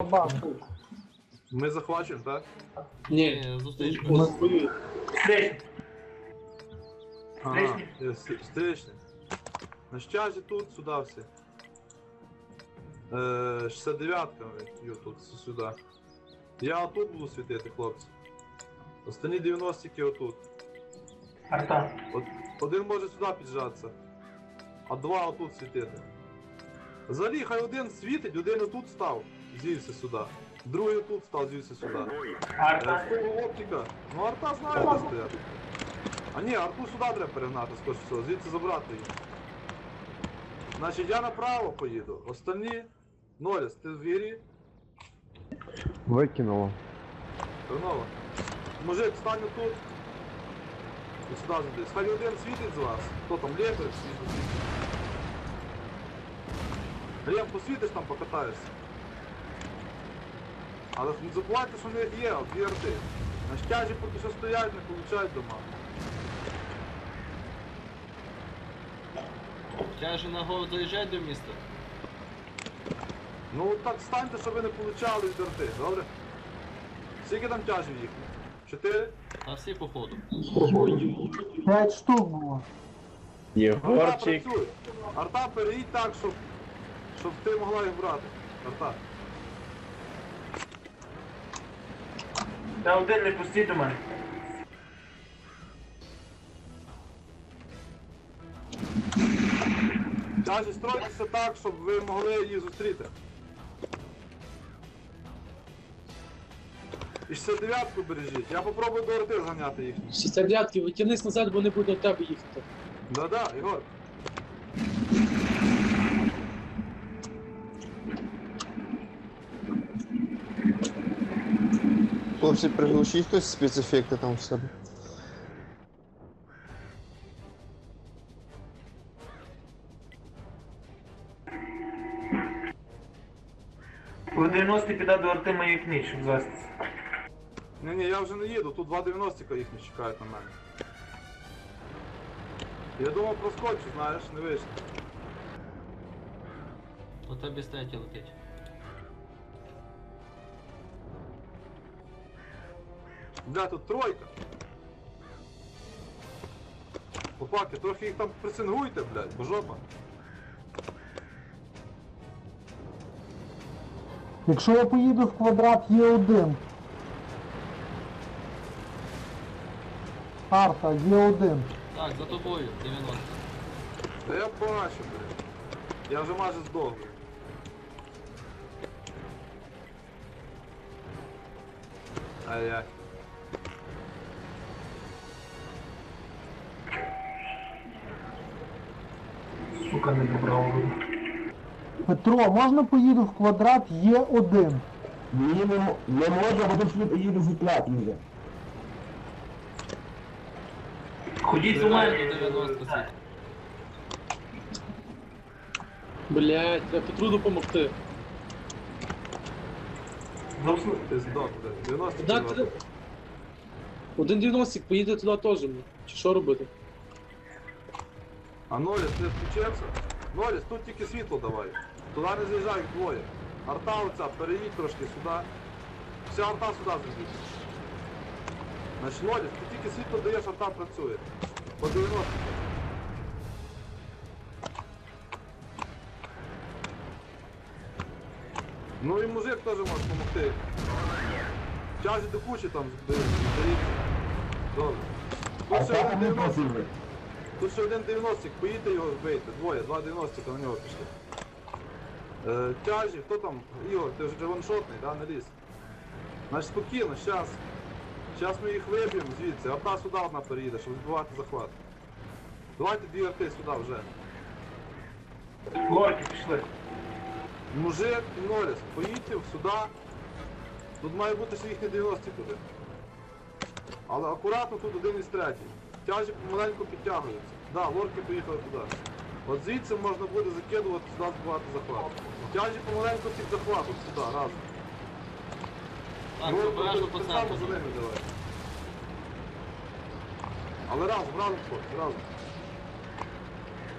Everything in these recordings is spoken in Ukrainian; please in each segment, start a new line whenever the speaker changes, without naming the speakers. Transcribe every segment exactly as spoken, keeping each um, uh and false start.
бабах.
Ми захвачуємо, так?
Ні, зустріч.
Встречный.
Ага, є, с- встречний. На щажі тут, сюди всі. Е, шістдесят дев'ятка б'ю тут, с- сюди. Я отут буду світити, хлопці. Останні дев'яностики отут.
Арта.
От, один може сюди піджатися, а два отут світити. Взагалі, хай один світить, один отут став, звівся сюди. Другий отут став, звівся сюди. Е,
Арта.
в кого оптика. Ну арта знає, де стояти. А ні, арту сюди треба перегнати, скоріше всього, звідси забрати її. Значить, я направо поїду, остальні... Ноліс, ти в гірі?
Викинуло.
Терново. Мужик, стань тут. І сюди зайдись. Хай один світить з вас. Хто там, лєпер, світить, світить. Лєм, посвітиш там, покатаєшся. Але не забувайте, що в них є, от дві арти. На щажі поки що стоять, не получають дома.
Тяжі на гору доїжджають до міста.
Ну так станьте, щоб ви не получали від арти, добре? Скільки там тяжів їхні? Чотири?
А всі по ходу.
П'ять штук було.
Арта
Єгорчик.
працює. Арта переїдь так, щоб, щоб ти могла їх брати. Арта.
Та один не пустіть до мене.
Тяжі, стройтеся так, щоб ви могли її зустріти. І шістдесят дев'ятку бережіть. Я попробую до арти зганяти їхні.
Шістдесятки, витягнись назад, бо не буде до тебе їхати.
Да-да, Ігор.
Хлопці, приглушіть хтось спецефекти там в себе.
По дев'яносто піде до арти моєї книг, щоб звестися.
Ні-ні, я вже не їду, тут два дев'яностика їхні чекають на мене. Я думав проскочу, знаєш, не вийшло.
У тебе статі летить.
Бля, тут тройка. Хлопаки, трохи їх там пресингуйте, блядь, бо жопа.
Якщо я поїду в квадрат, є один. Арта, є один.
Так, за тобою, дев'яносто.
Та я бачу, блядь. Я вже майже здох. Ай-яй.
Сука, не добрав.
Петро, можна поїду в квадрат, є один.
Ні, не, м- не можна, бо тут слід їду в уклад їде.
Ходіть до мене.
До дев'яносто світ.
Блять, треба Петру допомогти.
Зовсім.
Ти здох, блядь. дев'яносто
Так,
кіло.
треба. Один дев'яностик поїде туди теж. ну. Чи що робити?
А Ноліс, ти включився? Ноліс, тут тільки світло давай. Туди не з'їжджай, їх двоє. Арта оця, переїдь трошки сюди. Вся арта сюди зайдіть. Значить, Ноліс, ти тільки світло даєш, арта працює. По дев'яносто. Ну і мужик теж може допомогти. Чажі до кучі там зберіться. Добре.
А
Тут ще
так
один
не
дев'яносто.
просили.
Тут ще один дев'яностик, поїдьте його вбийте. Двоє, два дев'яностика на нього пішли. Е, тяжі, хто там? Ігор, ти вже ваншотний, да, не ліз? Значить спокійно, щас. Щас ми їх виб'ємо звідси, арта сюди одна переїде, щоб збивати захват. Давайте дві арти сюди вже.
Горки пішли.
Мужик і Ноліс, поїдьте сюди. Тут має бути ще їхні дев'яності туди. Але акуратно тут один із третій. Тяжі помаленьку підтягуються. Да, лорки поїхали туди. От звідси можна буде закидувати сюди збивати захват. Тяжі помаленьку під захватом сюди, разом.
Так,
Лорки
обережно
будуть
по
так само
центру.
за ними давай. Але разом, разом хлопці, разом.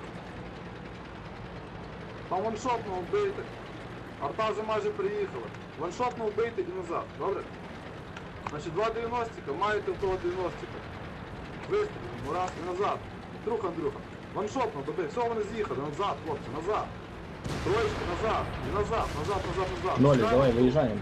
Там ваншотного вбийте. Арта вже майже приїхала. ваншотно вбийте і назад, добре? Значить, два дев'яностика, маєте в того дев'яностика. Вистрілимо, раз і назад. Друг Андрюха. Ваншотно добив, все, вони з'їхали, назад, хлопці, назад. Троєчки, назад, і назад, назад, назад, назад.
Нолі,
Чекаємо.
давай, виїжджаємо.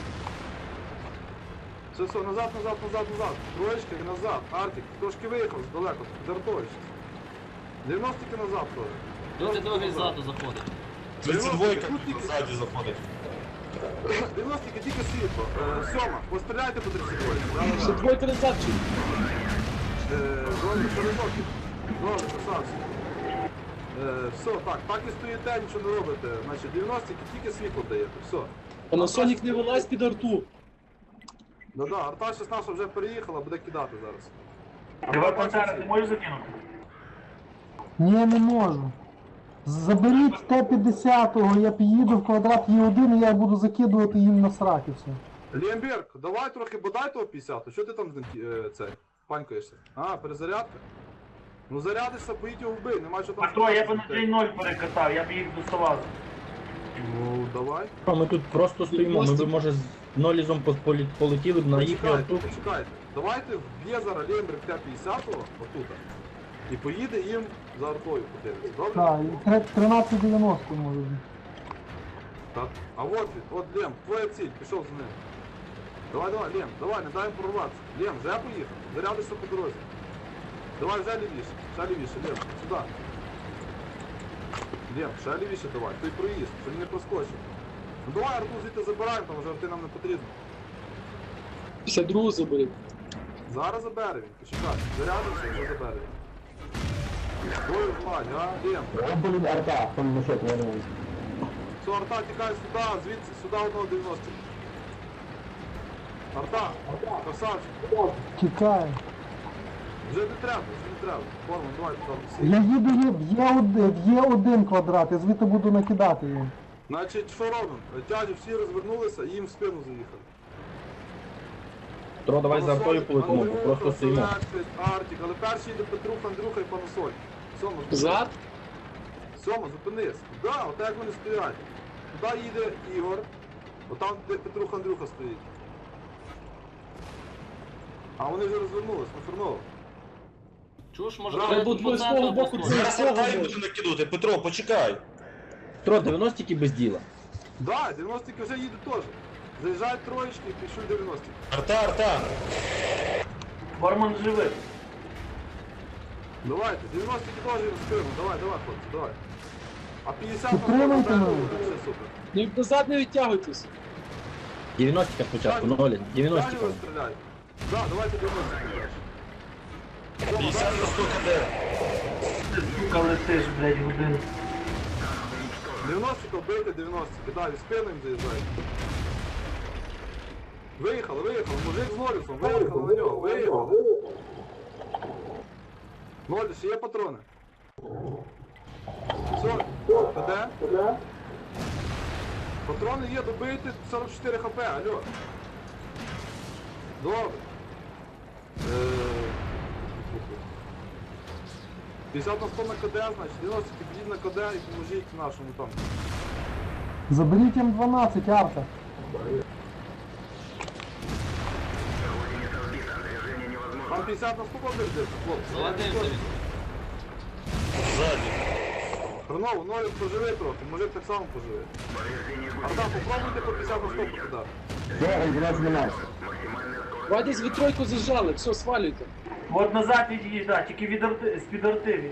Все, все, назад, назад, назад, назад. Троєчки і назад. Артик, трошки виїхав здалеко, жартовище. дев'яностики назад теж.
Люди другий ззаду заходить.
тридцять двойка ззаді заходить. дев'яностики тільки світло. Е, Сьома, постріляйте по тридцять двойки.
Ще двойка назад чи?
Добре, перезоки. Добре, красавці. Е, Все, так, так і стоїте, нічого не робите. Значить, дев'яностики тільки світло даєте, все.
Панасонік не вилазь під арту.
Да-да, арта шістнадцять вже переїхала, буде кидати зараз.
Давай Пантера, ти можеш закинути?
Ні, не можу. Заберіть Т п'ятдесят, я під'їду в квадрат Є один і я буду закидувати їм на сраки все.
Лємберг, давай трохи бодай того п'ятдесят, що ти там з ним е, цей, панькаєшся? А, перезарядка? Ну зарядишся, поїдь його вбий, нема що там.
А то я б
сказати.
на джей нуль перекатав, я б їх доставав.
Ну, давай.
А ми тут просто стоїмо, ми б, може, з нолізом полі- полетіли б на їхню
Почекайте,
арту.
почекайте. Давайте вб'є зараз Лємберг Т п'ятдесят отут. І поїде їм за артою подивитися, добре?
Так, і тре- тринадцять дев'яносто може бути.
Так. А от він, от Лем, твоя ціль, пішов з ним. Давай, давай, Лем, давай, не дай їм прорватися. Лем, вже поїхав, зарядишся по дорозі. Давай, вже лівіше, ще лівіше, Лем, сюди. Лем, ще лівіше давай, той проїзд, щоб він не проскочив. Ну давай арту звідти забираємо, там вже арти нам не потрібно.
п'ятдесят другу заберіть.
Зараз забере він, почекай, зарядився, вже забере він. Твою владь, а, Лем.
О, блін, арта, там на що ти не
Все, арта, тікай сюди, звідси, сюди одного дев'яносто. Арта, красавчик.
Тікає.
Вже не треба, вже не треба. Форму, давай там всі.
Я їду є, в Є один, в Є один квадрат, я звідти буду накидати їм.
Значить, що робимо? Тяжі всі розвернулися і їм в спину заїхали.
Тро, давай за артою
Панасоль,
полетимо,
Андрюха,
просто стоїмо.
Селектris, Артик, але перший йде Петрух, Андрюха і Панасоль. Сьома, зупинись.
Зад?
Сьома, зупинись. Да, отак як вони стоять. Туди їде Ігор, отам де Петрух, Андрюха стоїть. А вони вже розвернулись, на Ферново.
Чуш, може,
Треба
вже
було
тут
твого
по центру
свого боку
поскочити?
це-
Зараз артай буду накидувати. Петро, почекай.
Тро, дев'яностики без діла.
Да, дев'яностики вже їдуть теж. Заїжджають троєчки і пішуть дев'яностики.
Арта, арта.
Форман живий.
Давайте, дев'яностики теж їм в спину. Давай, давай, хлопці, давай. А п'ятдесят на
Підтримуйте
фронт,
мене.
буде все супер.
Ну назад не відтягуйтесь.
дев'яностика спочатку, нолі, дев'яностика.
Далі стріляй. Да, давайте дев'яностики дальше.
п'ятдесят на сто КД.
Ти, сука, летиш, блядь, годину.
дев'яностика вбийте дев'яностики, далі спину їм заїжджають. Виїхали, виїхали, мужик з Нолісом, виїхали на нього, виїхали. Ноліс, є патрони? Все, КД? Патрони є, добийте сорок чотири хп, алло. Добре. Е, п'ятдесят на сто на КД, значить, дев'яносто підійдіть на КД і поможіть нашому там.
Заберіть М дванадцять, арта.
Там п'ятдесят на сто побіждеться, хлопці.
Заладився він.
Ззаді.
Хреново, Нолік поживи трохи, мужик так само поживи. Арта, попробуйте по п'ятдесят на сто покидати.
Все, М дванадцять немає.
Давай десь ви тройку зажали, все, свалюйте.
От назад від'їдь, да, тільки від арти, з-під арти від'їдь.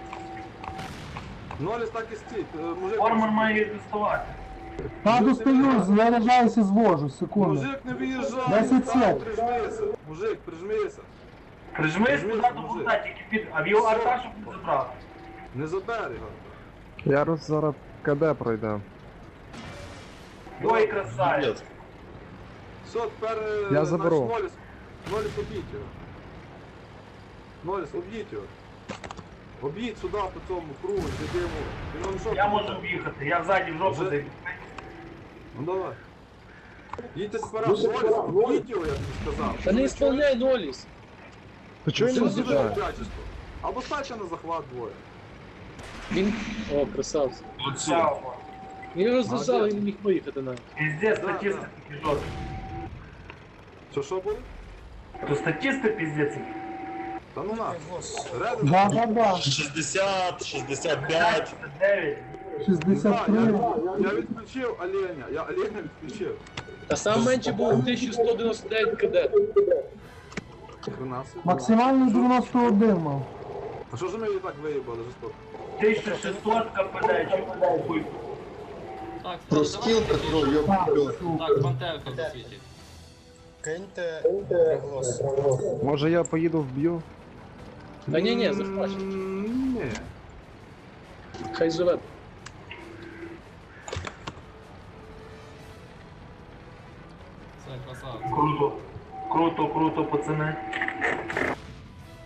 Ноліс так і стій, е, мужик...
Форман має їх доставати.
Та достаю, заряджаюся, звожу, секунду.
Мужик не виїжджай,
десять
так,
сек.
прижмися. Мужик, прижмися.
Прижмись туди до
мужик.
бута, тільки під... А в його арта, щоб не забрав.
Не забери його.
Ярус зараз КД пройде.
Ой, красавець.
Привіт.
Все, тепер... е,
Я
наш
заберу.
Ноліс, Ноліс, об'їдь його. Ноліс, об'їдь його. Об'їдь сюди по цьому кругу, йди йому. Він вам що
Я
там
можу
буде?
об'їхати, я ззаді в жопу
Вже?
зайду.
Ну давай. Їдьте сперед, Ноліс, об'їдь його, я тобі сказав.
Та не
Ви
ісполняй Ноліс.
Ти чого
чуєте?
не
Це дуже
з'їжджає?
ребячество. Або ставте на захват двоє.
Він... О, красавці.
Чао.
Він роз'їжджав і не міг виїхати навіть.
Піздець,
Да,
статистика жорстка.
Що що буде?
То статисти піздець.
Та ну на. Реди.
Да, да, да.
шістдесят, шістдесят п'ять.
дев'ять.
шістдесят три.
Я відключив оленя, я оленя відключив.
Та сам менше було тисяча сто дев'яносто дев'ять кд.
тринадцять.
Максимальний дев'яносто один мав.
А що ж ми її так виїбали жорстоко?
тисяча шістсот КПД, хуй.
Так,
Про
давай,
скіл,
давай,
Петро,
давай.
йоп.
Так, пантерка засвітить.
Киньте приголос.
Може я поїду вб'ю?
Та ні, ні, захвачу.
М, Ні.
Хай живе.
Все, красава.
Круто. Круто, круто, пацани.